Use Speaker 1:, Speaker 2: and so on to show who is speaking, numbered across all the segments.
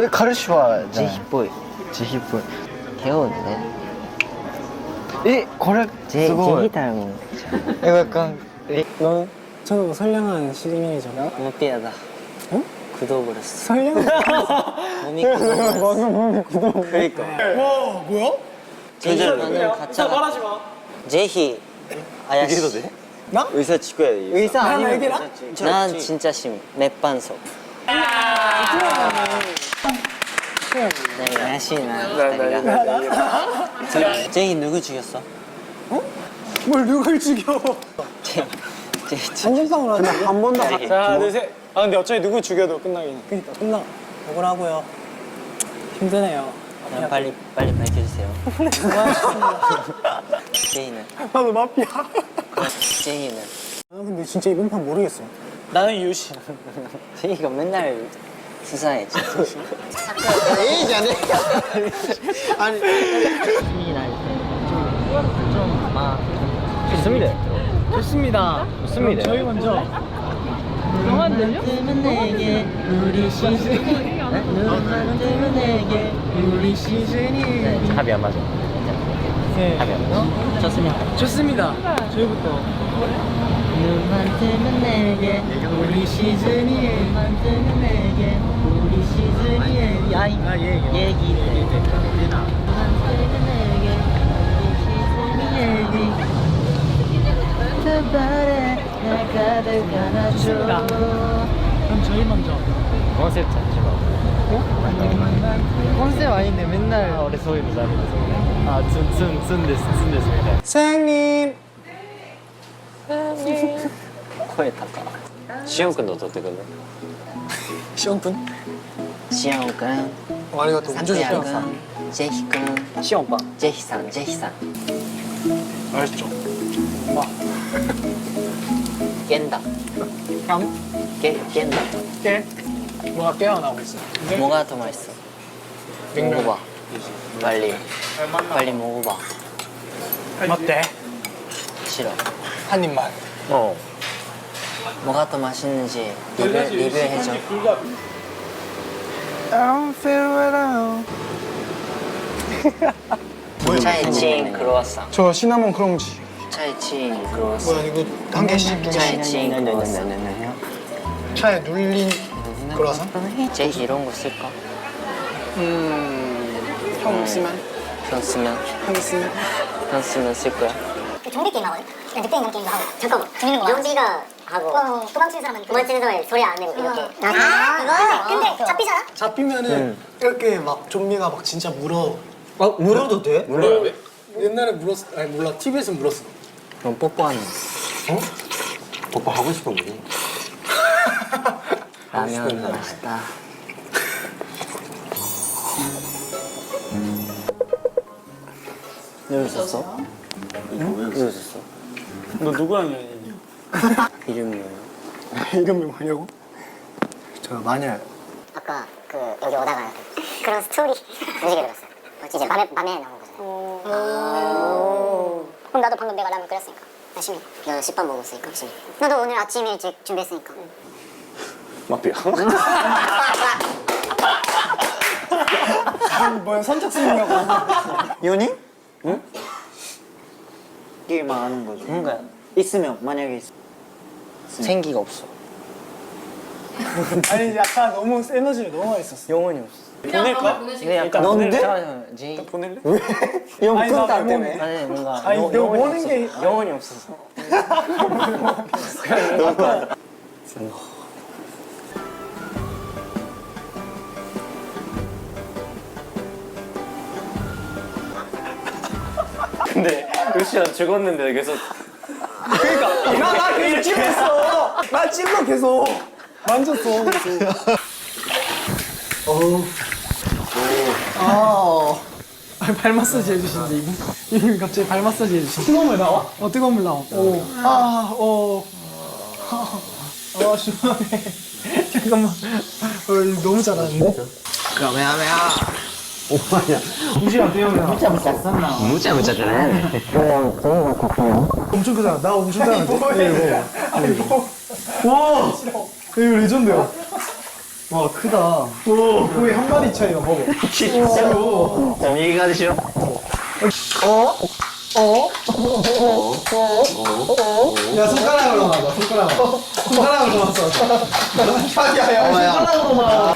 Speaker 1: 彼氏は
Speaker 2: 慈悲っぽい。
Speaker 1: 慈悲っぽい。
Speaker 2: 手をね。
Speaker 1: これすごい。
Speaker 2: 제희 닮은.
Speaker 1: 약간
Speaker 3: 너 저거 선량한 시즈닝이잖아.
Speaker 2: 너무 삐하다.
Speaker 3: 어?
Speaker 2: 굳어버렸어.
Speaker 3: 선량한.
Speaker 2: 몸이 굳어버렸어.
Speaker 3: 몸이 굳어.
Speaker 2: 그러니까.
Speaker 3: 와 뭐야?
Speaker 2: 제희는 가짜가. 제희. 아야씨.
Speaker 4: 얘기해도 돼?
Speaker 3: 나?
Speaker 4: 의사 치고 해야 돼.
Speaker 2: 의사
Speaker 3: 나
Speaker 2: 아니면
Speaker 3: 얘기라?
Speaker 2: 난 진짜 심. 맷반석. 네, 야시나. 제희 누구 죽였어?
Speaker 3: 뭘 누굴 죽여?
Speaker 2: 제희.
Speaker 3: 안전상으로 하자. 한 번도.
Speaker 2: 제희.
Speaker 3: 하나 둘 셋. 아 근데 어차피 누구 죽여도 끝나긴 해. 그니까 끝나. 억울하고요. 힘드네요.
Speaker 2: 그냥 빨리 밝혀주세요. 제이는.
Speaker 3: 나도 마피아.
Speaker 2: 제이는.
Speaker 3: 아 근데 진짜 이번 판 모르겠어. 나는 유시.
Speaker 2: 제이가 맨날 수상했지.
Speaker 1: 얘기 안 해. 아니.
Speaker 2: 힘이 날때좀막
Speaker 1: 좋습니다.
Speaker 3: 좋습니다.
Speaker 1: 좋습니다.
Speaker 3: 저희 먼저.
Speaker 2: 너만 들려? 내게 우리 시즌이 너만 뜨면 내게 우리 시즌이
Speaker 1: 합이 안 맞아.
Speaker 3: 네.
Speaker 1: 합이 안 맞아.
Speaker 2: 좋습니다.
Speaker 3: 좋습니다. 저희부터.
Speaker 2: 눈만 뜨면 내게 우리 시즌이 눈만 뜨면 내게 우리 시즌이 야이 얘기해 눈만 뜨면 내게 우리 시즌이 얘기 그 발에 날 가득 안아줘.
Speaker 3: 그럼 저희 먼저.
Speaker 1: 컨셉 잠시만. 컨셉 아닌데 맨날俺そういうのダメですよね。あ、ツンですみたいな。
Speaker 3: 사장님.
Speaker 2: 声高い。
Speaker 4: しおんくんの撮ってくんね。
Speaker 3: 시원군.
Speaker 2: 시영君、
Speaker 3: 아리가또 운전
Speaker 2: 사쿠야
Speaker 3: 좋다.
Speaker 2: 君、ジェヒ君、
Speaker 4: しおんぱ。
Speaker 2: ジェヒさん、ジェヒさん。
Speaker 3: 맛있죠?
Speaker 2: 깬다. 깬다.
Speaker 3: 깨? 뭐가 깨어나고 있어.
Speaker 2: 뭐가 더 맛있어? 먹어봐. 빨리 먹어봐.
Speaker 3: 맞대.
Speaker 2: 싫어.
Speaker 3: 한 입만.
Speaker 2: 뭐가 더 맛있는지 리뷰해줘. 차에 친 크로와상.
Speaker 3: 저 시나몬 크런치.
Speaker 2: 차에 친 크로와상.
Speaker 3: 뭐야 이거 한 개씩.
Speaker 2: 차에 친 크로와상.
Speaker 3: 차에 눌린 크로와상?
Speaker 2: 제희 이런 거 쓸까?
Speaker 3: 형 쓰면?
Speaker 2: 편 쓰면?
Speaker 3: 형 쓰면?
Speaker 2: 편 쓰면 쓸 거야?
Speaker 5: 좀비 게임 하거든? 그냥 늑대 인간 게임도 하고 잠깐만 재밌는 거 좀비가 하고 도망치는 사람은 도망치는 사람이 소리 안 내고 이렇게 그거? 근데 잡히잖아?
Speaker 3: 잡히면은 이렇게 막 좀비가 막 진짜 물어.
Speaker 1: 물어도 돼?
Speaker 4: 물어야 돼?
Speaker 3: 옛날에 물었어. 아니 몰라. TV에서 물었어.
Speaker 2: 그럼 뽀뽀하는 거.
Speaker 4: 오빠 하고 싶은 거지.
Speaker 2: 라면 맛있다. 여기 있었어? 응? 여기 있었어?
Speaker 3: 너 누구랑 연인이냐?
Speaker 2: 이름이 뭐야?
Speaker 3: 이름이 뭐냐고? 저 마녀.
Speaker 5: 아까 그 여기 오다가 그런 스토리 무지개 들었어요 이제 밤에 나온 거잖아요 그럼 나도 방금 내가 라면 끓였으니까 열심히 너 식밥 먹었으니까 열심히 나도 오늘 아침 일찍 준비했으니까
Speaker 4: 마피아.
Speaker 3: 뭐야 선착순이냐고.
Speaker 6: 연인? 응? 이게 말하는 거죠.
Speaker 2: 뭔가
Speaker 6: 있으면 만약에
Speaker 2: 생기가 없어.
Speaker 3: 아니 약간 너무 에너지가 너무 많이 있었어.
Speaker 2: 영혼이 없어.
Speaker 3: 보낼까?
Speaker 2: 근데 약간
Speaker 6: 넌데?
Speaker 2: 잠깐만, 제이.
Speaker 3: 보낼래?
Speaker 6: 형
Speaker 3: 아니, 나
Speaker 6: 끈딱
Speaker 3: 왜
Speaker 6: 때문에.
Speaker 2: 아니 뭔가
Speaker 3: 아니, 너
Speaker 2: 영혼이
Speaker 3: 보는
Speaker 2: 없어.
Speaker 3: 게-
Speaker 2: 영혼이 없어서.
Speaker 4: 근데 루시안 죽었는데 계속
Speaker 3: 그러니까 나 계속 찔렀어. 나 찔러 계속. 만졌어 계속. 발 마사지 해주신대 이분. 이분 갑자기 발 마사지 해주신대. 뜨거운 물 나와? 뜨거운 물 나와. 시원해. 잠깐만. 이거 너무 잘하는데?
Speaker 1: 무자무자잖아.
Speaker 3: 엄청 크잖아. 나 엄청 잘하는데? 이거. 와! 이거 레전드야. 와 크다. 오 거의 한 마리 차이가 먹어.
Speaker 4: 얘기가 되시죠?
Speaker 3: 야 손가락으로 맞아. 손가락으로 맞아. 야야 손가락으로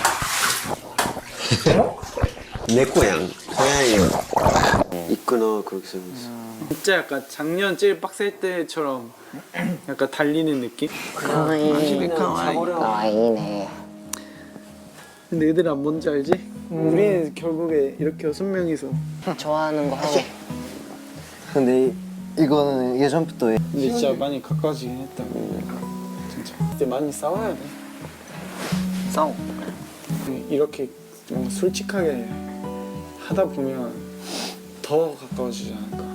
Speaker 3: 맞아.
Speaker 7: 내 고양 고양이 있구나 그렇게 생겼어.
Speaker 3: 진짜 약간 작년 제일 빡셀 때처럼 약간 달리는 느낌?
Speaker 2: 가와이네.
Speaker 3: 근데 얘들아 뭔지 알지? 우리는 결국에 이렇게 6명이서
Speaker 2: 좋아하는 거 하고.
Speaker 6: 근데 이거는 예전부터
Speaker 3: 근데 진짜 많이 가까워지긴 했다. 진짜 이제 많이 싸워야 돼.
Speaker 2: 싸워.
Speaker 3: 이렇게 좀 솔직하게 하다 보면 더 가까워지지 않을까.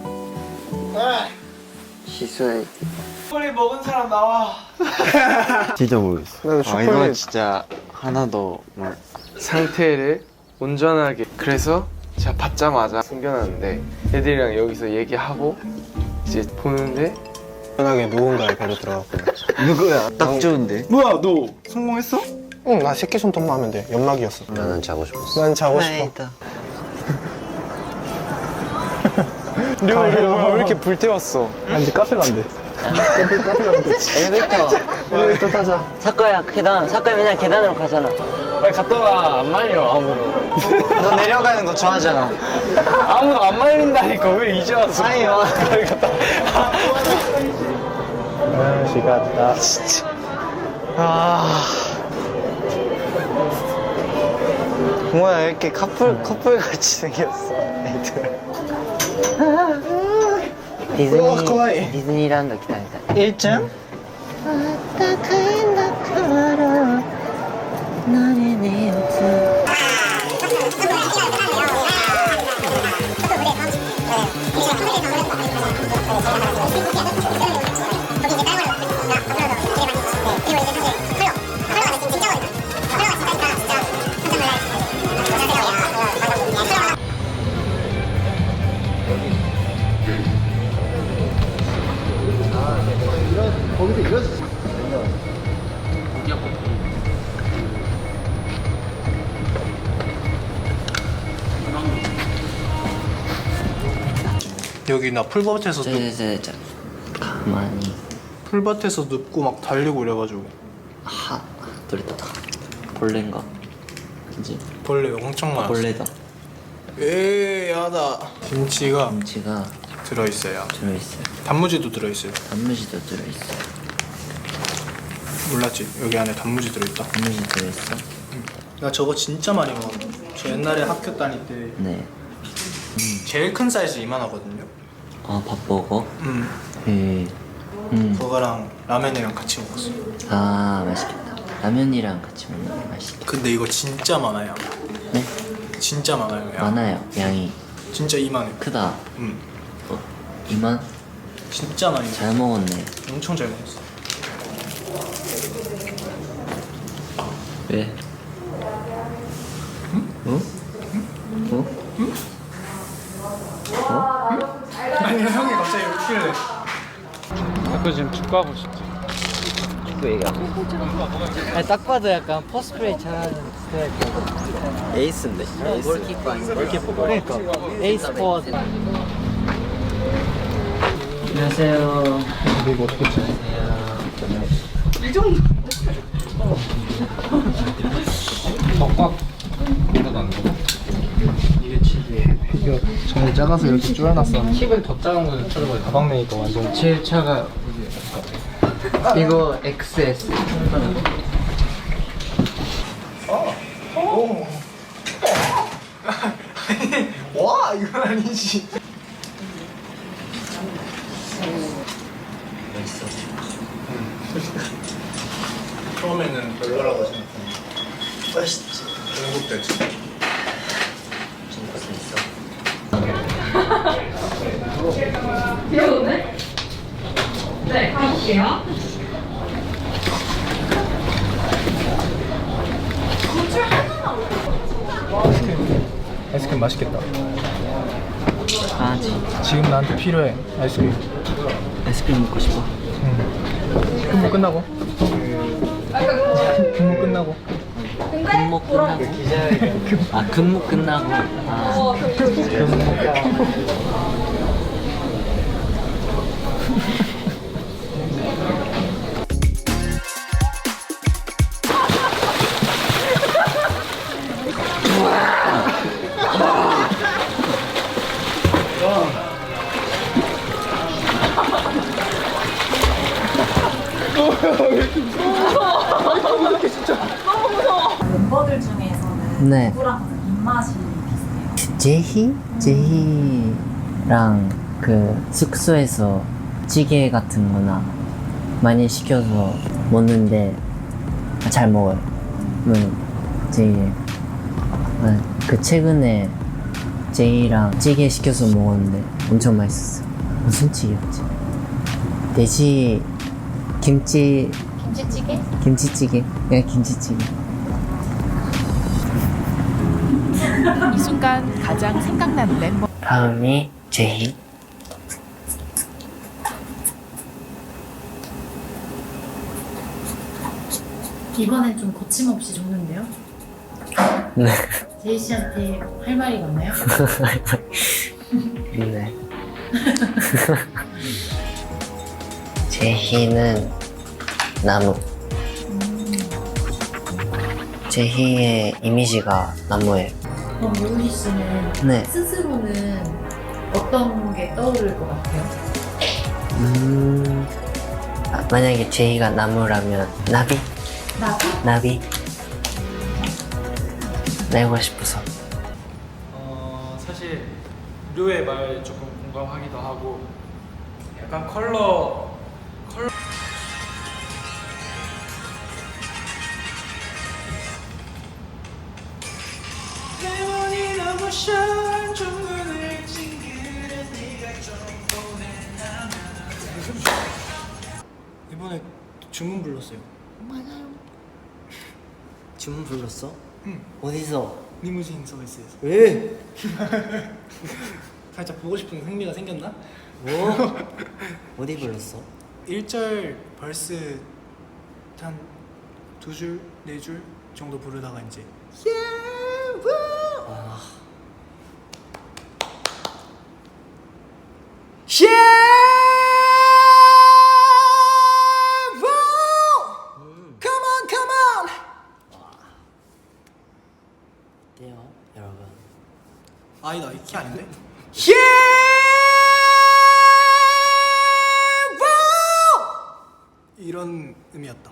Speaker 6: 시소해.
Speaker 3: 초콜릿 먹은 사람 나와.
Speaker 7: 진짜 모르겠어.
Speaker 8: 아, 이건 진짜 하나도 상태를 온전하게. 그래서 제가 받자마자 숨겨놨는데 애들이랑 여기서 얘기하고 이제 보는데
Speaker 9: 편하게 누군가의 배로 들어갔고.
Speaker 6: 누구야? 딱 좋은데.
Speaker 3: 뭐야 너 성공했어?
Speaker 9: 응, 나 새끼손톱만 하면 돼. 연막이었어.
Speaker 7: 나는 자고 싶었어.
Speaker 9: 난 자고 싶어.
Speaker 3: 류가 왜 이렇게 불태웠어?
Speaker 9: 아, 이제 카페 간대.
Speaker 2: 엘리베이터 타자. 사과야 계단. 사과야 맨날 계단으로 가잖아.
Speaker 1: 빨리 갔다 와. 안 말려 아무도.
Speaker 6: 너 내려가는 거 좋아하잖아.
Speaker 1: 아무도 안 말린다니까 왜 이제 와서?
Speaker 6: 아니요.
Speaker 1: 빨리 갔다.
Speaker 9: 시갔다.
Speaker 6: 뭐야 이렇게 커플 같이 생겼어. 애들.
Speaker 2: 디즈니랜드 기다리다.
Speaker 6: 1층?
Speaker 9: 여기 나 풀밭에서
Speaker 2: 자, 가만히.
Speaker 9: 풀밭에서 눕고 막 달리고 이래가지고
Speaker 2: 하, 그랬다. 벌레인가? 그지?
Speaker 9: 벌레 엄청 많았어.
Speaker 2: 벌레다.
Speaker 9: 야다. 김치가
Speaker 2: 김치가
Speaker 9: 들어있어요.
Speaker 2: 들어있어요.
Speaker 9: 단무지도 들어있어요.
Speaker 2: 단무지도 들어있어요.
Speaker 9: 몰랐지? 여기 안에 단무지 들어있다.
Speaker 2: 단무지 들어있어?
Speaker 9: 나 저거 진짜 많이 먹었는데. 저 옛날에 학교 다닐 때
Speaker 2: 네.
Speaker 9: 제일 큰 사이즈 이만하거든요.
Speaker 2: 아, 밥 먹어?
Speaker 9: 음. 그거랑 라면이랑 같이 먹었어.
Speaker 2: 아, 맛있겠다. 라면이랑 같이 먹는 게 맛있겠다.
Speaker 9: 근데 이거 진짜 많아요.
Speaker 2: 네?
Speaker 9: 진짜 많아요. 양.
Speaker 2: 많아요, 양이.
Speaker 9: 진짜 이만해.
Speaker 2: 크다. 이만?
Speaker 9: 진짜 많이 먹었어.
Speaker 2: 잘 먹었네.
Speaker 9: 엄청 잘 먹었어.
Speaker 2: 왜?
Speaker 9: 아니 형이 갑자기 웃길래.
Speaker 1: 너 지금 축구하고 싶지?
Speaker 2: 아니, 딱 봐도 약간 포스프레이 잘하는 스타일.
Speaker 6: 에이스인데.
Speaker 2: 골키퍼 아닌가? 그러니까. 에이스 포워드. 안녕하세요.
Speaker 9: 이거 어떻게 치? 이거 정말 작아서 이렇게 쪼여놨어.
Speaker 1: 팁은 더 작은 거는 쳐다봐요.
Speaker 9: 가방메이커 완전.
Speaker 1: 제일 차가
Speaker 2: 이거 XS.
Speaker 9: 와 이건 아니지. 처음에는 별로라고 생각했는데 맛있지. 중국됐지.
Speaker 10: 귀여우네? 네, 가볼게요.
Speaker 9: 아이스크림 맛있겠다.
Speaker 2: 아,
Speaker 9: 지금 나한테 필요해 아이스크림.
Speaker 2: 아이스크림 먹고 싶어.
Speaker 9: 근무 끝나고. 근무 끝나고.
Speaker 2: 근무 끝나고 아 근무 끝나고 아
Speaker 10: 멤버들 중에서는
Speaker 2: 네.
Speaker 10: 누구랑 입맛이 비슷해요?
Speaker 2: 제희랑 그 숙소에서 찌개 같은 거나 많이 시켜서 먹는데 잘 먹어요. 제희. 그 최근에 제이랑 찌개 시켜서 먹었는데 엄청 맛있었어. 무슨 찌개였지? 돼지 김치찌개? 김치찌개. 네, 김치찌개.
Speaker 11: 이 순간 가장 생각나는 멤버.
Speaker 2: 다음이 제희.
Speaker 10: 이번엔 좀 거침없이 적는데요?
Speaker 2: 네.
Speaker 10: 제이 씨한테 할 말이 많나요?
Speaker 2: 네. 제희는 나무. 제희의 이미지가 나무예요.
Speaker 10: 그럼 유희 씨는
Speaker 2: 네.
Speaker 10: 스스로는 어떤 게 떠오를 것 같아요?
Speaker 2: 만약에 제희가 나무라면 나비? 나비? 날고 싶어서.
Speaker 8: 사실 류의 말 조금 공감하기도 하고 약간 컬러
Speaker 3: 이번에 주문 불렀어요.
Speaker 2: 주문 불렀어?
Speaker 3: 응.
Speaker 2: 어디서?
Speaker 3: 리무진 서비스에서.
Speaker 2: 왜?
Speaker 3: 살짝 보고 싶은 흥미가 생겼나?
Speaker 2: 뭐? 어디 불렀어?
Speaker 3: 1절 벌스 한 2줄, 4줄 정도 부르다가 이제
Speaker 2: 아,
Speaker 3: Come on, come on!
Speaker 2: 어때요, 여러분?
Speaker 3: 아니다, 이 키 아닌데? 이런 의미였다.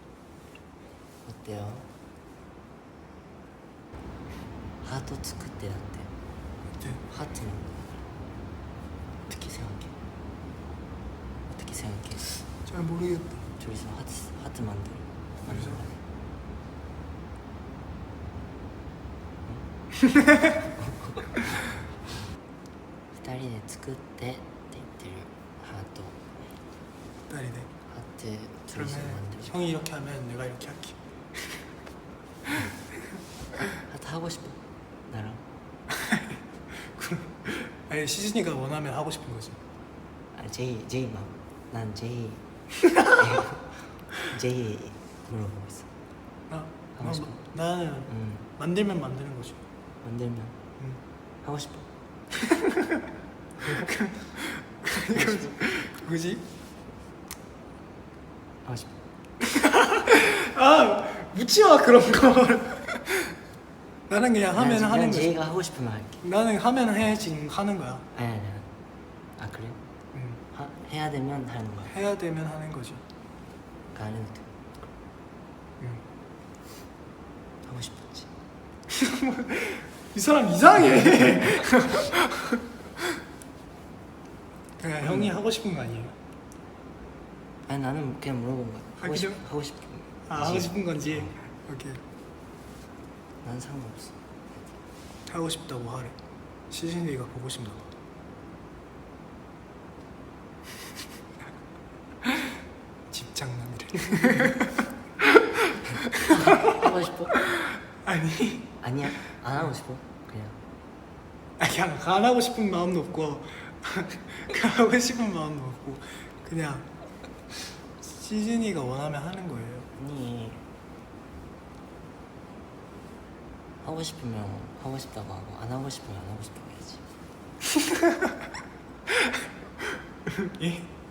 Speaker 2: 어때요? 하트 作ってだって
Speaker 3: 네.
Speaker 2: 하트는 어떻게 생각해? 어떻게 생각해?
Speaker 3: 잘 모르겠다.
Speaker 2: 저기서 하트 만들어.2人で作ってって言ってるハート
Speaker 3: 딸이네.
Speaker 2: 하트
Speaker 3: 그러면
Speaker 2: 둘이서 만들자.
Speaker 3: 형이 이렇게 하면 내가 이렇게 할게.
Speaker 2: 하트 하고 싶어 나랑.
Speaker 3: 아니 시즌이가 원하면 하고 싶은 거지.
Speaker 2: 아 제이 난 제이 제이 물어보고 있어. 하고 싶어.
Speaker 3: 나는 만들면 만드는 거지.
Speaker 2: 만들면 하고 싶어.
Speaker 3: 그지?
Speaker 2: 하고 싶어.
Speaker 3: 아 묻지 마 그런 걸. 나는 그냥 하면 하는 거지.
Speaker 2: 제이가 하고 싶으면 할게.
Speaker 3: 나는 하면 해 지금 하는 거야.
Speaker 2: 아니. 아 그래? 해야 되면 하는 거야.
Speaker 3: 해야 되면 하는 거지.
Speaker 2: 안 해도 돼.
Speaker 3: 응.
Speaker 2: 하고 싶었지.
Speaker 3: 이 사람 이상해. 그냥 형이 하고 싶은 거 아니에요?
Speaker 2: 아니 나는 그냥 물어본 거야. 하고 싶은.
Speaker 3: 하고 싶은 건지. 오케이.
Speaker 2: 난 상관없어.
Speaker 3: 하고 싶다고 하래. 시즌이가 보고 싶나 봐. 집장남이래.
Speaker 2: 하고 싶어?
Speaker 3: 아니.
Speaker 2: 아니야. 안 하고 싶어. 그냥.
Speaker 3: 그냥 안 하고 싶은 마음도 없고 하고 싶은 마음도 없고 그냥 시즌이가 원하면 하는 거예요.
Speaker 2: 아니 하고 싶으면 하고 싶다고 하고 안 하고 싶으면 안 하고 싶다고 해야지.
Speaker 3: 예?